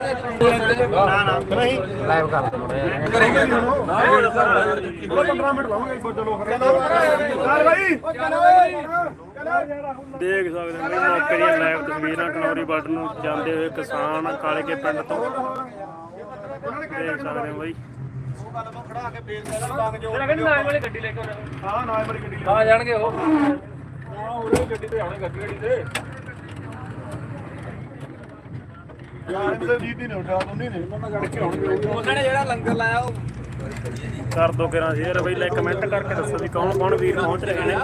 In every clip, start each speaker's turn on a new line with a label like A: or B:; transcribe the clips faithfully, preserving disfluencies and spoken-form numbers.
A: ਨਾ ਨਾ ਨਹੀਂ ਲਾਈਵ ਕਰ ਕਰੇਗਾ ਪੰਦਰਾਂ ਮਿੰਟ ਲਾਉਂਗੇ ਚਲੋ ਚੱਲ ਭਾਈ
B: ਦੇਖ ਸਕਦੇ ਹੋ ਮੌਕੇ ਦੀਆਂ ਲਾਈਵ ਤਸਵੀਰਾਂ ਕਨੌਰੀ ਬਾਰਡਰ ਨੂੰ ਜਾਂਦੇ ਹੋਏ ਕਿਸਾਨ ਕਾਲੇ ਕੇ ਪਿੰਡ ਤੋਂ ਦੇਖ ਸਕਦੇ ਹੋ ਬਾਈ।
A: ਖੜਾ ਕੇ ਬੇਲ ਦਾ ਜੋ ਨਾਲ ਵਾਲੀ ਗੱਡੀ ਲੈ ਕੇ ਹਾਂ ਨਾਲ ਵਾਲੀ ਗੱਡੀ ਆ ਜਾਣਗੇ ਉਹ ਹਾਂ ਉਹਦੇ ਗੱਡੀ ਤੇ ਆਉਣੇ ਗੱਡੀ ਗੱਡੀ ਤੇ ਯਾਰ ਇਹਦੇ ਜੀਤ ਹੀ ਨਹੀਂ ਉਠਾ ਤੁੰਨੀ ਨੇ ਉਹਨਾਂ ਨਾਲ ਕੇ ਆਉਣਗੇ ਉਹਨਾਂ ਨੇ ਜਿਹੜਾ ਲੰਗਰ ਲਾਇਆ ਉਹ
B: ਕਰ ਦੋ ਕਿਰਾਂ ਸ਼ੇਅਰ ਬਈ ਲੈ ਕਮੈਂਟ ਕਰਕੇ ਦੱਸੋ ਵੀ ਕੌਣ ਕੌਣ ਵੀਰ ਪਹੁੰਚ ਰਹੇ ਨੇ।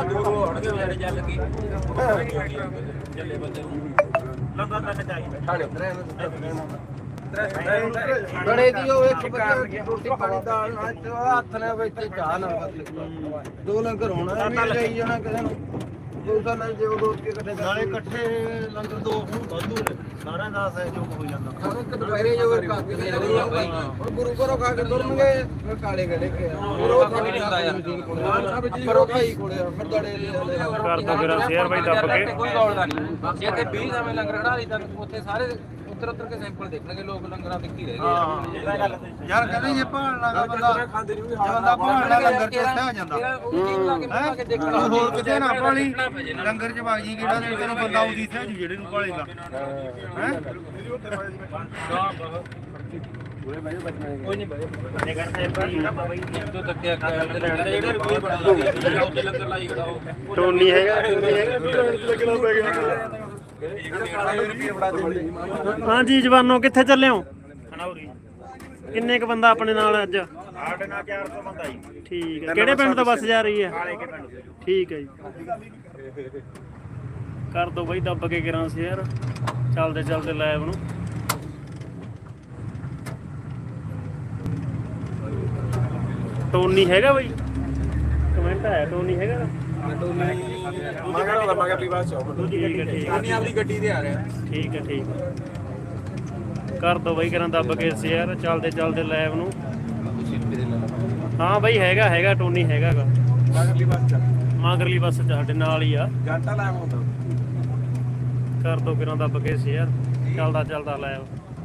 C: ਬੜੇ ਦੀ ਉਹ ਇੱਕ ਬੱਚਾ ਰੋਟੀ ਪਾਣੀ ਦਾਲ ਨਾਲ ਹੱਥ ਨੇ ਵਿੱਚ ਚਾਹ ਨਾਲ ਦੋ ਲੰਗਰ ਹੋਣਾ ਵੀ ਲਈ ਜਾਣਾ ਕਿਸੇ ਨੂੰ ਦੋ ਨਾਲ ਜੇ ਉਹ ਦੋਸਤ ਕੇ ਇਕੱਠੇ
A: ਨਾਲੇ ਇਕੱਠੇ ਲੰਗਰ ਦੋ ਹੁਣ ਵਾਧੂ ਨੇ ਸਾਰਿਆਂ ਦਾ ਸਹਿਯੋਗ ਹੋ ਜਾਂਦਾ
C: ਹੁਣ ਇੱਕ ਦੁਪਹਿਰੇ ਜੋ ਕਾਕੇ ਦੇ ਜਿਹੜੇ ਹੁਣ ਗੁਰੂ ਘਰੋਂ ਖਾ ਕੇ ਤੁਰਨਗੇ ਫਿਰ ਕਾਲੇ ਗੜੇ ਕੇ ਗੁਰੂ ਖਾਣੀ ਹੁੰਦਾ ਯਾਰ ਪਰ ਉਹ ਖਾਈ ਕੋਲੇ ਫਿਰ ਦੜੇ
B: ਕਰ ਦੋ ਕਿਰਾਂ ਸ਼ੇਅਰ ਬਈ ਦੱਬ ਕੇ
C: ਕੋਈ ਗੌਲ ਦਾ ਨਹੀਂ ਜੇ ਤੇ ਵੀਹ ਸਮੇਂ ਲੰਗਰ ਖੜਾ ਲਈ ਤਾਂ ਉੱਥੇ ਸਾਰੇ ਉੱਤਰ ਉੱਤਰ ਕੇ ਸੈਂਪਲ ਦੇਖਣਗੇ ਲੋਕ ਲੰਗਰਾਂ ਤੇ ਕੀ ਰਹਿ ਗਏ
A: ਯਾਰ ਕਹਿੰਦੇ ਜੇ ਭਾਲਣਾ ਬੰਦਾ ਖਾਂਦੇ ਨਹੀਂ ਬੰਦਾ ਭਾਲਣਾ ਲੰਗਰ ਚ ਉੱਥੇ ਆ ਜਾਂਦਾ ਹੈ ਹੋਰ ਕਿਤੇ ਨਾ ਭਾਲੀ ਲੰਗਰ ਚ ਬਾਜੀ ਕਿਹੜਾ ਦੇ ਤੈਨੂੰ ਬੰਦਾ ਆਉਂਦੀ ਇੱਥੇ ਜਿਹੜੇ ਨੂੰ ਭਾਲੇਗਾ ਹੈ ਕੋਈ ਨਹੀਂ ਬਾਈ ਬੰਦੇ ਕਰਦੇ ਭਾਈ ਬਾਈ ਦੋ ਤੱਕਿਆ ਜਿਹੜੇ ਰੁਪਏ ਬਣਾ ਉੱਤੇ ਲੰਗਰ ਲਾਈ ਖੜਾ ਉਹ
B: ਟੋਨੀ ਹੈਗਾ ਟੋਨੀ ਹੈਗਾ ਲੱਗਣਾ ਪੈ ਗਿਆ। ਹਾਂਜੀ ਜਵਾਨੋ ਕਿੱਥੇ ਚੱਲੇ ਹੋ?
A: ਖਨੌਰੀ
B: ਕਿੰਨੇ ਕ ਬੰਦਾ ਆਪਣੇ ਨਾਲ ਅੱਜ?
A: ਸਾਡੇ ਨਾਲ ਚਾਰ ਸੌ ਬੰਦਾ ਜੀ।
B: ਠੀਕ ਹੈ ਕਿਹੜੇ ਪਿੰਡ ਤੋਂ ਬੱਸ ਜਾ ਰਹੀ ਹੈ?
A: ਕਾਲੇ ਕੇ ਪਿੰਡ ਤੋਂ।
B: ਠੀਕ ਹੈ ਜੀ ਕਰ ਦੋ ਬਈ ਦੱਬ ਕੇ ਕਰਾਂ ਸ਼ੇਅਰ ਚੱਲਦੇ ਚੱਲਦੇ ਲਾਈਵ ਨੂੰ। ਟੋਨੀ ਹੈਗਾ ਬਈ ਕਮੈਂਟ ਆਇਆ ਟੋਨੀ ਹੈਗਾ
A: ਮਗਰ ਵਾਲਾ ਮਗਰ ਵੀ ਬਾਅਦ ਚ
B: ਠੀਕ ਹੈ ਠੀਕ
A: ਉਹਨੇ ਆਪਣੀ ਗੱਡੀ ਤੇ ਆ ਰਿਹਾ
B: ਠੀਕ ਹੈ ਠੀਕ ਹੈ ਕਰ ਦੋ ਬਈ ਕਰਾਂ ਦੱਬ ਕੇ ਸ਼ੇਅਰ ਚੱਲਦੇ ਚੱਲਦੇ ਲਾਈਵ ਨੂੰ। ਹਾਂ ਬਈ ਹੈਗਾ ਹੈਗਾ ਟੋਨੀ ਹੈਗਾ ਗਾ
A: ਮਗਰਲੀ ਬੱਸ ਚ
B: ਮਗਰਲੀ ਬੱਸ ਚ ਸਾਡੇ ਨਾਲ ਹੀ ਆ।
A: ਘੰਟਾ ਲਾਇਆ ਹੁੰਦਾ
B: ਕਰ ਦੋ ਕਿਰਾਂ ਦੱਬ ਕੇ ਸ਼ੇਅਰ ਚੱਲਦਾ ਚੱਲਦਾ ਲਾਈਵ।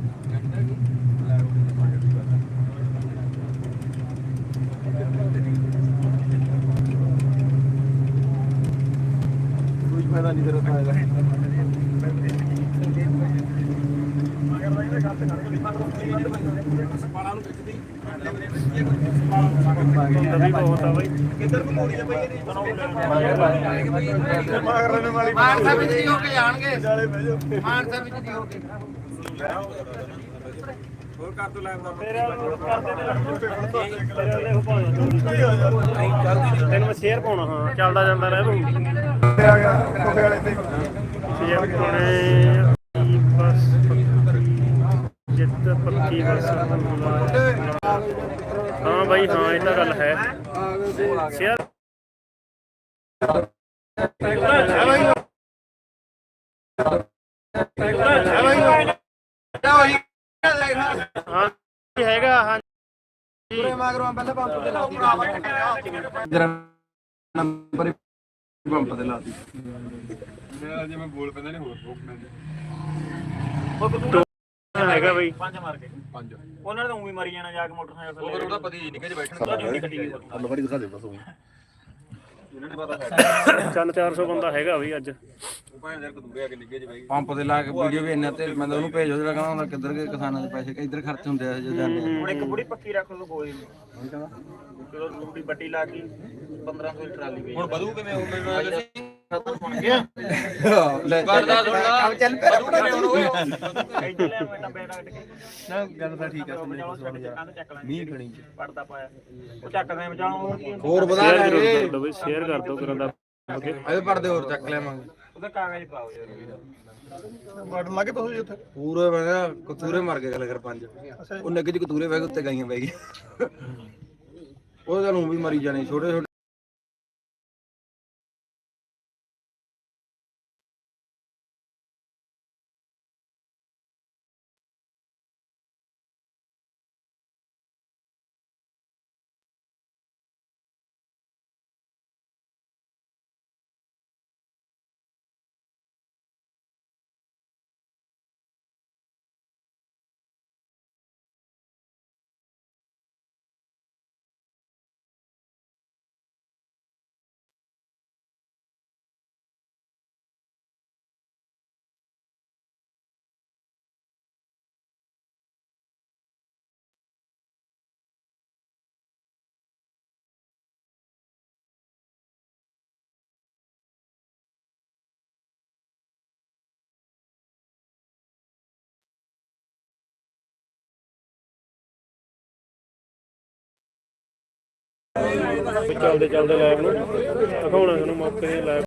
A: ਕੋਈ ਫਾਇਦਾ ਨਹੀਂ ਤੇਰਾ ਫਾਇਦਾ
B: ਵੀ ਬਹੁਤ ਆ ਬਈ
A: ਕਿੱਧਰ ਨੂੰ ਮੋੜੀ ਬਈ ਮਾਗਰ ਨੇ ਵਾਲੀ
C: ਮਾਨਸਾ ਵਿੱਚ ਹੀ ਹੋ ਕੇ ਜਾਣਗੇ
A: ਜਾਲੇ ਬਹਿ ਜਾਓ
C: ਮਾਨਸਾ ਵਿੱਚ ਹੀ ਹੋ ਕੇ
A: ਹੋਰ ਕਰ ਦੋ ਲਾਈਵ ਦਾ
B: ਤੈਨੂੰ ਮੈਂ ਸ਼ੇਅਰ ਪਾਉਣਾ ਹਾਂ ਚੱਲਦਾ ਜਾਂਦਾ ਰਹਿ ਤੂੰ
A: ਆ ਗਿਆ ਕੋਫੇ ਵਾਲੇ ਤੇ
B: ਸ਼ੇਅਰ ਪਾਉਣੇ ਬਸ ਜਿੱਤ ਪੱਕੀ ਬਸ ਹਾਂ ਬਾਈ ਹਾਂ ਇਹ ਤਾਂ ਗੱਲ ਹੈ ਸ਼ੇਅਰ ਹਾਂ ਹੈਗਾ ਹਾਂ
C: ਪੂਰੇ ਮਾਗਰੋਂ ਪਹਿਲੇ ਪੰਪ ਤੇ ਲਾ ਦਿੱਤੀ
A: ਨੰਬਰ ਪੰਪ ਤੇ ਲਾ ਦਿੱਤੀ ਮੈਂ ਜੇ ਮੈਂ ਬੋਲ ਪੈਂਦਾ ਨਹੀਂ ਹੋਰ ਰੋਕ
B: ਹੈਗਾ ਬਈ
A: ਪੰਜ ਮਾਰ ਕੇ ਪੰਜ ਉਹਨਾਂ ਨੇ ਤਾਂ ਉਵੇਂ ਮਰੀ ਜਾਣਾ ਜਾ ਕੇ ਮੋਟਰਸਾਈਕਲ ਉਹ ਉਹਦਾ ਪਤੀ ਨਿੱਕੇ ਚ ਬੈਠਣ ਦਾ ਅੱਲ ਫੜੀ ਦਿਖਾ ਦੇ ਬਸ ਉਹ ਇਹਨਾਂ ਨੇ ਪਤਾ
B: ਚੱਲ ਚਾਰ ਸੌ ਬੰਦਾ ਹੈਗਾ ਬਈ ਅੱਜ
A: ਉਹ ਭਾਵੇਂ ਯਾਰ ਕਦੂਰੇ ਆ ਕੇ ਨਿੱਕੇ ਚ ਬਈ
C: ਪੰਪ ਤੇ ਲਾ ਕੇ ਵੀਡੀਓ ਵੀ ਇੰਨਾ ਤੇ ਮਤਲਬ ਉਹਨੂੰ ਭੇਜੋ ਜਿਹੜਾ ਕਹਿੰਦਾ ਹੁੰਦਾ ਕਿੱਧਰ ਕੇ ਕਿਸਾਨਾਂ ਦੇ ਪੈਸੇ ਇੱਧਰ ਖਰਚ ਹੁੰਦੇ ਆ ਜਦੋਂ ਜਾਂਦੇ
A: ਹੁਣ ਇੱਕ ਬੁੜੀ ਪੱਕੀ ਰੱਖ ਲਓ ਕੋਈ ਨਹੀਂ ਚਲੋ ਰੂਟੀ ਬੱਟੀ ਲਾ ਕੇ ਪੰਦਰਾਂ ਸੌ ਦੀ ਟਰਾਲੀ ਵੇਚ ਹੁਣ ਵਧੂ ਕਿਵੇਂ ਹੋ ਮੈਨੂੰ ਦੱਸੀ ਖਤਮ ਬਣ ਗਿਆ
C: ਲੈ ਕਰਦਾ ਥੋੜਾ ਚੱਲ ਪਿਆ
A: ਇੱਥੇ ਲੈ ਮੈਂ ਡੱਬੇ ਕੱਟ ਕੇ
C: ਨਾ ਗੱਲ ਤਾਂ ਠੀਕ ਆ
A: ਮੀਂਹ ਖਣੀ ਚ ਪੜਦਾ ਪਾਇਆ ਉਹ ਚੱਕ ਦੇ ਬਚਾਉਂ
C: ਹੋਰ ਵਧਾ
B: ਸ਼ੇਅਰ ਜ਼ਰੂਰ
C: ਲਾਂਗੇ
B: ਕਰ ਦਿਓ ਬਈ ਸ਼ੇਅਰ ਕਰ ਦਿਓ ਕਰਨ ਦਾ ਓਕੇ
C: ਇਹਦੇ ਪਰਦੇ ਹੋਰ ਚੱਕ ਲਿਆਵਾਂਗੇ
A: ਉਹਦਾ ਕਾਗਜ਼ ਪਾਓ ਯਾਰ ਬੜ ਲੱਗੇ ਤੁਸੀਂ ਉੱਥੇ
C: ਪੂਰੇ ਮੈਂ ਕਿਹਾ ਕਤੂਰੇ ਮਰ ਗਏ ਗੱਲ ਕਰ ਪੰਜ ਉਹ ਨੱਗੇ ਚ ਕਤੂਰੇ ਬਹਿ ਗਏ ਉੱਤੇ ਗਾਈਆਂ ਬਹਿ ਗਈ ਉਹ ਤਾਂ ਨੂੰ ਵੀ ਮਰੀ ਜਾਣੇ ਛੋਟੇ ਛੋਟੇ
B: ਚੱਲਦੇ ਚੱਲਦੇ ਲਾਈਵ ਨੂੰ ਦਿਖਾਉਣਾ ਤੁਹਾਨੂੰ ਮੌਕੇ ਦੀ ਲਾਈਵ